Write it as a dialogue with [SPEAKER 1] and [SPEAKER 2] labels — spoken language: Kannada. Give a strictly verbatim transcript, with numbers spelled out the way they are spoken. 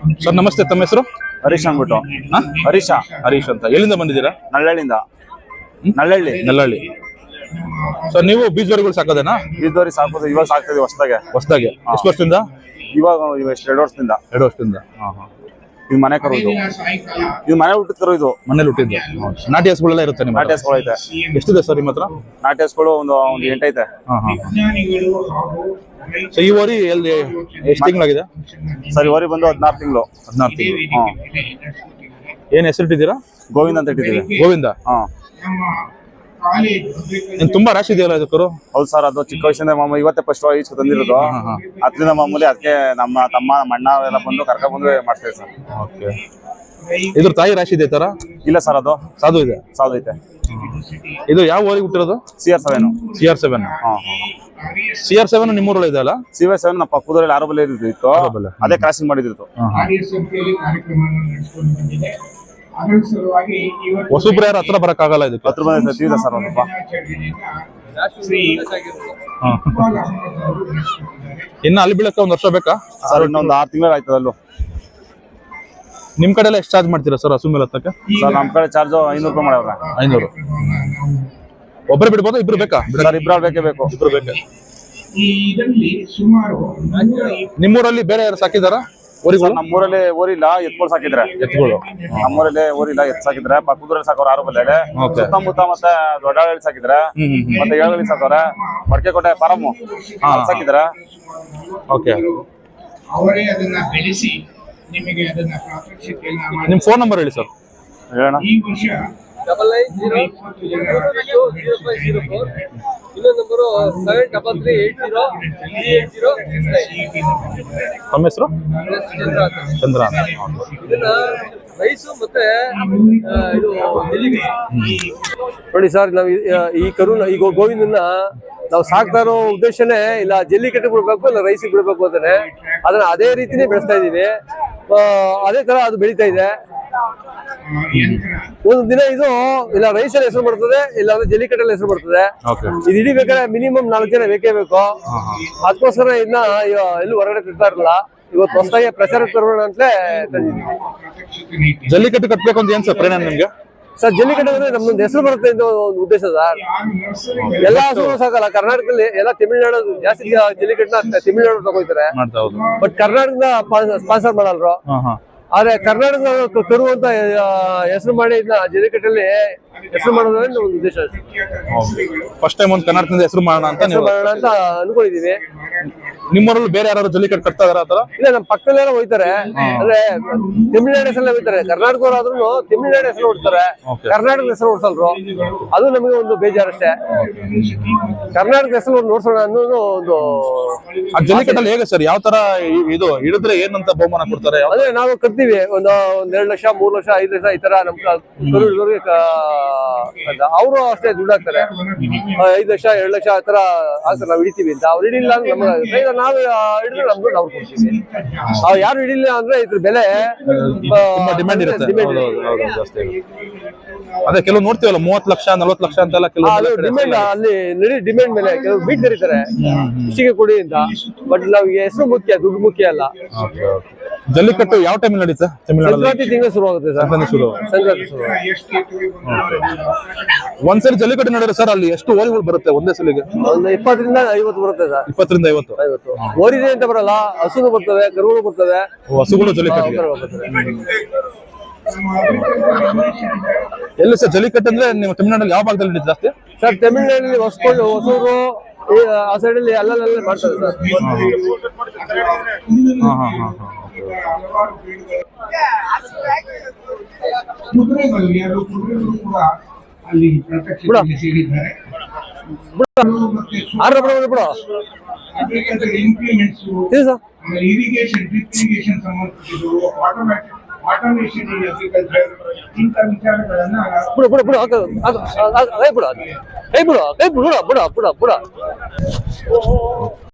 [SPEAKER 1] ಸರ್ ನಮಸ್ತೆ, ತಮ್ಮ ಹೆಸರು?
[SPEAKER 2] ಹರೀಶ್ ಅಂದ್ಬಿಟ್ಟು. ಹರೀಶ
[SPEAKER 1] ಹರೀಶ್ ಅಂತ. ಎಲ್ಲಿಂದ ಬಂದಿದ್ದೀರಾ?
[SPEAKER 2] ನಳ್ಳಹಳ್ಳಿಯಿಂದ. ನಳ್ಳಹಳ್ಳಿ
[SPEAKER 1] ನಲ್ಲಹಳ್ಳಿ. ಸರ್ ನೀವು ಬೀಜವರಿಗಳು ಸಾಕೋದೇನಾ?
[SPEAKER 2] ಬೀಜದವರಿ ಸಾಕೋದು ಇವಾಗ ಸಾಕ್ತಿದ್ವಿ ಹೊಸದಾಗೆ.
[SPEAKER 1] ಹೊಸದಾಗೆ ಎಷ್ಟು ವರ್ಷದಿಂದ?
[SPEAKER 2] ಇವಾಗ ಎಷ್ಟು ಎರಡು ವರ್ಷದಿಂದ.
[SPEAKER 1] ಎರಡು ವರ್ಷದಿಂದ. ಹಾ ಹಾ.
[SPEAKER 2] ಇದು ಮನೆ ಕರು, ಇದು ಇದು ಮನೆ ಹುಟ್ಟಿದ ಕರು. ಇದು
[SPEAKER 1] ಮನೇಲಿ ಹುಟ್ಟಿದ್ದು. ನಾಟಿ ಹಸುಗಳೆಲ್ಲ ಇರುತ್ತೆ ನಿಮ್ಮ?
[SPEAKER 2] ನಾಟಿ ಹಸುಗಳು ಐತೆ.
[SPEAKER 1] ಎಷ್ಟಿದೆ ಸರ್ ನಿಮ್ಮ ಹತ್ರ?
[SPEAKER 2] ನಾಟಿ ಹಸುಗಳು ಒಂದು ಒಂದು ಎಂಟೈತೆ.
[SPEAKER 1] ಹಾ ಹಾ. ಸೊ ಈ ಓರಿ ಎಲ್ಲಿ ಎಷ್ಟು ತಿಂಗಳಾಗಿದೆ
[SPEAKER 2] ಸರ್? ಈ ಓರಿ ಬಂದು ಹದಿನಾರು ತಿಂಗಳು.
[SPEAKER 1] ಹದಿನಾರು ತಿಂಗಳು.
[SPEAKER 2] ಹಾ.
[SPEAKER 1] ಏನ್ ಹೆಸರಿಟ್ಟಿದ್ದೀರಾ?
[SPEAKER 2] ಗೋವಿಂದ ಅಂತ ಇಟ್ಟಿದ್ದೀವಿ.
[SPEAKER 1] ಗೋವಿಂದ.
[SPEAKER 2] ಹಾ.
[SPEAKER 1] ತುಂಬಾ ರಾಶಿ ಇದೆಯಲ್ಲ ಇದು ಕರು?
[SPEAKER 2] ಹೌದು ಸರ್, ಅದು ಚಿಕ್ಕ ವಯಸ್ಸಿಂದ ಮಾಮೂಲಿ ಇವತ್ತೇ ಫಸ್ಟ್ ಈಚ್ ತಂದಿರೋದು. ಅದರಿಂದ ಮಾಮೂಲಿ ಅದಕ್ಕೆ ನಮ್ಮ ತಮ್ಮ ನಮ್ಮ ಅಣ್ಣ ಎಲ್ಲ ಬಂದು ಕರ್ಕೊಂಡ್ ಬಂದು ಮಾಡ್ತೇವೆ ಸರ್.
[SPEAKER 1] ಓಕೆ. ಇದ್ರ ತಾಯಿ ರಾಶಿ ಇದೆ ತರ?
[SPEAKER 2] ಇಲ್ಲ ಸರ್, ಅದು
[SPEAKER 1] ಸಾಧು ಇದೆ.
[SPEAKER 2] ಸಾಧು ಐತೆ.
[SPEAKER 1] ಇದು ಯಾವ ಊರಿಗೆ ಹುಟ್ಟಿರೋದು?
[SPEAKER 2] C R seven.
[SPEAKER 1] C R seven. C R seven ನಿಮ್ಮೂರಲ್ಲಿ ಇದೆ ಅಲ್ಲ?
[SPEAKER 2] ಸಿ ಆರ್ ಸೆವೆನ್ ನಮ್ಮ ಪಕ್ಕದಲ್ಲಿ ಆರೋಬಲ್ಲಿ ಇತ್ತು, ಅದೇ ಕ್ರಾಸಿಂಗ್ ಮಾಡಿದಿತ್ತು.
[SPEAKER 1] ಹೊಸಬ್ರು ಯಾರು ಹತ್ರ ಬರಕ್ಕಾಗಲ್ಲ ಇದಕ್ಕೆ?
[SPEAKER 2] ಹತ್ರ ಬಂದಿದೆ ಸರ್ ಒಂದಪ್ಪ.
[SPEAKER 1] ಇನ್ನು ಅಲ್ಲಿ ಬೀಳಕ್ಕೆ ಒಂದ್ ವರ್ಷ ಬೇಕಾ
[SPEAKER 2] ಸರ್? ಇನ್ನೊಂದು ಆರು ತಿಂಗಳು ಆಯ್ತದ. ಅಲ್ಲೂ
[SPEAKER 1] ನಿಮ್ ಕಡೆ ಎಲ್ಲ ಎಷ್ಟು ಚಾರ್ಜ್ ಮಾಡ್ತೀರಾ ಸರ್ ಹಸು ಮೇಲೆ ಹತ್ತಕ್ಕೆ?
[SPEAKER 2] ಸರ್ ನಮ್ ಕಡೆ ಚಾರ್ಜ್ ಐನೂರು ರೂಪಾಯಿ ಮಾಡವ್ರ.
[SPEAKER 1] ಐನೂರು. ಒಬ್ಬರು ಬಿಡ್ಬೋದು? ಇಬ್ರು ಬೇಕಾ?
[SPEAKER 2] ಸರ್ ಇಬ್ರು ಬೇಕೇ ಬೇಕು.
[SPEAKER 1] ಇಬ್ರು ಬೇಕಾ? ನಿಮ್ಮೂರಲ್ಲಿ ಬೇರೆ ಯಾರು ಸಾಕಿದಾರ ಓರಿಗಳು?
[SPEAKER 2] ನಮ್ಮೂರಲ್ಲಿ ಓರಿಲ್ಲ, ಎತ್ಗಳು ಸಾಕಿದ್ರೆ.
[SPEAKER 1] ಎತ್ಗಳು
[SPEAKER 2] ನಮ್ಮೂರಲ್ಲಿ ಓರಿಲ್ಲ, ಎತ್ ಸಾಕಿದ್ರೆ. ಪಕ್ಕದೂರಲ್ಲಿ ಸಾಕೋರು ಆರು ಬಲ್ಲೆ. ಸುತ್ತಮುತ್ತ ಮತ್ತೆ ದೊಡ್ಡಹಳ್ಳಿ ಸಾಕಿದ್ರೆ, ಮತ್ತೆ ಏಳುಗಳಿ ಸಾಕೋರೆ. ಮಡಕೆಕೋಟೆ ಫಾರಮ್ ಸಾಕಿದ್ರ.
[SPEAKER 1] ಓಕೆ.
[SPEAKER 3] ಅವರೇ ಅದನ್ನ ಬೆಳೆಸಿ ನಿಮಗೆ ಅದನ್ನ ಪ್ರಾತ್ಯಕ್ಷಿಕೆಯನ್ನ ಮಾಡಿ.
[SPEAKER 1] ನಿಮ್ ಫೋನ್ ನಂಬರ್ ಹೇಳಿ ಸರ್.
[SPEAKER 2] ಹೇಳೋಣ.
[SPEAKER 3] ಈ ವರ್ಷ
[SPEAKER 4] double nine zero zero five zero four. ಇನ್ನೊಂದು number seven double three eight zero three eight zero six nine.
[SPEAKER 1] ತಮ್ಮ ಹೆಸರು?
[SPEAKER 4] ಚಂದ್ರ ಅಂತ.
[SPEAKER 1] ಚಂದ್ರ ಅಂತ.
[SPEAKER 4] ಇದನ್ನ ರೈಸು ಮತ್ತೆ ಇದು ಜಲ್ಲಿಗೆ.
[SPEAKER 5] ನೋಡಿ ಸರ್, ನಾವು ಈ ಕರು ಈ ಗೋವಿಂದನ್ನ ನಾವು ಸಾಕ್ತಾ ಇರೋ ಉದ್ದೇಶನೇ ಇಲ್ಲ ಜಲ್ಲಿ ಕಟ್ಟಿ ಬಿಡ್ಬೇಕು, ಇಲ್ಲ ರೈಸಿಗೆ ಬಿಡ್ಬೇಕು ಅಂತಾನೆ. ಅದನ್ನ ಅದೇ ರೀತಿನೇ ಬೆಳೆಸ್ತಾ ಇದೀವಿ. ಅದೇ ತರ ಅದು ಬೆಳೀತಾ ಇದೆ. ಒಂದು ದಿನ ಇದು ಇಲ್ಲ ರೈಸಲ್ಲಿ ಹೆಸರು ಬರ್ತದೆ, ಇಲ್ಲ ಅಂದ್ರೆ ಜಲ್ಲಿಕಟ್ಟಲ್ಲಿ ಹೆಸರು ಬರ್ತದೆ. ಇದು ಹಿಡಿಬೇಕಾದ್ರೆ ಮಿನಿಮಮ್ ನಾಲ್ಕು ಜನ ಬೇಕೇ ಬೇಕು. ಅದಕ್ಕೋಸ್ಕರ ಇದನ್ನ ಎಲ್ಲೂ ಹೊರಗಡೆ ತಿಂತಾ ಇರಲ್ಲ. ಇವತ್ತು ಹೊಸದಾಗಿ ಪ್ರಚಾರ ತರೋಣ ಅಂತಲೇ ತಂದಿದ್ದೀವಿ.
[SPEAKER 1] ಜಲ್ಲಿಕಟ್ಟು ಕಟ್ಟಬೇಕು ಅಂತ ಏನ್ ಸರ್ ಪ್ರೇರಣೆ ನಿಮ್ಗೆ?
[SPEAKER 5] ಸರ್ ಜಲ್ಲಿಕಟ್ಟು ಅಂದ್ರೆ ನಮ್ದೊಂದು ಹೆಸರು ಬರುತ್ತೆ ಅಂತ ಒಂದು ಉದ್ದೇಶ ಸರ್. ಎಲ್ಲಾ ಹಸುಗಳು ಸಾಕಲ್ಲ ಕರ್ನಾಟಕದಲ್ಲಿ, ಎಲ್ಲ ತಮಿಳ್ನಾಡು ಜಾಸ್ತಿ ಜಲ್ಲಿಕಟ್ಟನ್ನ ತಮಿಳ್ನಾಡು ತಗೋತಾರೆ. ಬಟ್ ಕರ್ನಾಟಕದ ಸ್ಪಾನ್ಸರ್ ಮಾಡಲ್ರು. ಆದ್ರೆ ಕರ್ನಾಟಕದ ಕರು ಅಂತ ಹೆಸರು ಮಾಡಿ ಇದನ್ನ ಜಲ್ಲಿಕಟ್ಟಲ್ಲಿ ಹೆಸರು ಮಾಡೋದ್ರೆ ಒಂದು ಉದ್ದೇಶ.
[SPEAKER 1] ಫಸ್ಟ್ ಟೈಮ್ ಒಂದು ಕರ್ನಾಟಕದಿಂದ ಹೆಸರು ಮಾಡೋಣ ಅಂತ
[SPEAKER 5] ಮಾಡೋಣ ಅಂತ ಅನ್ಕೊಂಡಿದೀವಿ.
[SPEAKER 1] ನಿಮ್ಮೂರಲ್ಲಿ ಬೇರೆ ಯಾರು ಜಲ್ಲಿಕಟ್ಟು ಕಟ್ತಾ ಇದಾರ ಆತರ?
[SPEAKER 5] ಇಲ್ಲ, ನಮ್ಮ ಪಕ್ಕದಲ್ಲೆಲ್ಲ ಹೋಯ್ತಾರೆ. ಅಂದ್ರೆ ತಮಿಳ್ನಾಡು ಹೆಸರಲ್ಲೇ ಹೋಯ್ತಾರೆ. ಕರ್ನಾಟಕದವ್ರಾದ್ರೂ ತಮಿಳ್ನಾಡು ಹೆಸರು ಹೊಡ್ತಾರೆ, ಕರ್ನಾಟಕದ ಹೆಸರು ಹೊಡ್ಸಲ್ರು. ಅದು ನಮಗೆ ಒಂದು ಬೇಜಾರಷ್ಟೇ. ಕರ್ನಾಟಕ ಹೆಸರು ನೋಡ್ಸೋಣ ಅನ್ನೋದು ಒಂದು.
[SPEAKER 1] ಆ ಜಲ್ಲಿಕಟ್ಟಲ್ಲಿ ಹೇಗೆ ಸರ್? ಯಾವ ತರ ಇದು ಹಿಡಿದ್ರೆ ಏನಂತ ಬಹುಮಾನ ಕೊಡ್ತಾರೆ?
[SPEAKER 5] ಅಂದ್ರೆ ನಾವು ಕಟ್ತೀವಿ ಒಂದು ಒಂದ್ ಎರಡು ಲಕ್ಷ ಮೂರ್ ಲಕ್ಷ ಐದು ಲಕ್ಷ ಈ ತರ ನಮ್ ಅವರು ಅಷ್ಟೇ ದುಡ್ಡು ಹಾಕ್ತಾರೆ. ಐದು ಲಕ್ಷ ಎರಡು ಲಕ್ಷ ಆ ತರ ಹಾಕ್ತಾರೆ. ನಾವು ಹಿಡಿತೀವಿ ಅಂತ ಅವ್ರು ಹಿಡಿಲ್ಲ ಅಂದ್ರೆ ನಮ್ಗೆ ನಾವು ಹಿಡಿದ್ರೆ ನಮ್ ದುಡ್ಡು ಅವ್ರು ಕೊಡ್ತೀವಿ. ಅವ್ರು ಯಾರು ಹಿಡಿಲಿಲ್ಲ ಅಂದ್ರೆ ಇದ್ರ ಬೆಲೆ
[SPEAKER 1] ಡಿಮ್ಯಾಂಡ್ ಇರುತ್ತೆ. ಅದೇ ಕೆಲವು ನೋಡ್ತೀವಲ್ಲ ಮೂವತ್ ಲಕ್ಷ ನಲ್ವತ್ ಲಕ್ಷ ಅಂತೆಲ್ಲ ಕೆಲವು
[SPEAKER 5] ಡಿಮ್ಯಾಂಡ್. ಅಲ್ಲಿ ನಡಿ ಡಿಮ್ಯಾಂಡ್ ಮೇಲೆ ಕೆಲವು ಬೀಟ್ ಕರೀತಾರೆ ಇಷ್ಟಿಗೆ ಕೊಡಿ ಅಂತ. ಬಟ್ ನಮ್ಗೆ ಹೆಸರು ಮುಖ್ಯ, ದುಡ್ಡು ಮುಖ್ಯ ಅಲ್ಲ.
[SPEAKER 1] ಜಲ್ಲಿಕಟ್ಟು ಯಾವ ಟೈಮ್ ನಡೀತಾ?
[SPEAKER 5] ಸಂಕ್ರಾಂತಿ ತಿಂಗಳು ಶುರು ಆಗುತ್ತೆ ಸರ್.
[SPEAKER 1] ಶುರು
[SPEAKER 5] ಸಂಕ್ರಾಂತಿ ಶುರು.
[SPEAKER 1] ಒಂದ್ಸರಿ ಜಲ್ಲಿಕಟ್ಟು ನಡೆದ್ರೆ ಸರ್ ಅಲ್ಲಿ ಎಷ್ಟು ಓರಿಗಳು ಬರುತ್ತೆ ಒಂದೇ ಸಲಿಗೆ?
[SPEAKER 5] ಒಂದು ಇಪ್ಪತ್ತರಿಂದ ಐವತ್ತು ಬರುತ್ತೆ ಸರ್.
[SPEAKER 1] ಇಪ್ಪತ್ತರಿಂದ ಐವತ್ತು
[SPEAKER 5] ಐವತ್ತು ಓರಿದೆ ಅಂತ ಬರಲ್ಲ, ಹಸುಗಳು ಬರ್ತವೆ, ಕರುಗಳು ಬರ್ತವೆ.
[SPEAKER 1] ಹಸುಗಳು ಜಲ್ಲಿಕಟ್ಟು ಎಲ್ಲಿ ಸರ್? ಜಲ್ಲಿಕಟ್ಟು ಅಂದ್ರೆ ನೀವು ತಮಿಳ್ನಾಡಲ್ಲಿ ಯಾವ ಭಾಗದಲ್ಲಿ ನಡೀತು ಜಾಸ್ತಿ?
[SPEAKER 5] ಸರ್ ತಮಿಳ್ನಾಡಲ್ಲಿ ಹೊಸಕೊಂಡು ಹೊಸೂರು ಆ ಸೈಡ್ ಅಲ್ಲಿ ಅಲ್ಲಲ್ಲೇ ಮಾಡ್ತಾರೆ ಸರ್.
[SPEAKER 3] ಕುದುರೆಗಳು ಎರಡು ಕುದುರೆಗಳು ಕೂಡ ಅಲ್ಲಿ ಪ್ರತ್ಯಕ್ಷ ಸೇರಿದ್ದಾರೆ. ಇಂಪ್ಲಿಮೆಂಟ್ಸ್, ಇರಿಗೇಷನ್, ಡ್ರಿಪ್ ಇರಿಗೇಷನ್ ಸಂಬಂಧಿಸಿದವು, ಆಟೋಮ್ಯಾಟಿಕ್ ಆಟೋಮೇಷನ್ ಇನ್ ಅಗ್ರಿಕಲ್ಚರ್, ಇಂಥ ವಿಚಾರಗಳನ್ನ
[SPEAKER 5] ಬಿಡು ಬಿಡು ಬಿಡು ಬಿಡು ಬಿಡು ಬಿಡು ಬಿಡು ಬಿಡು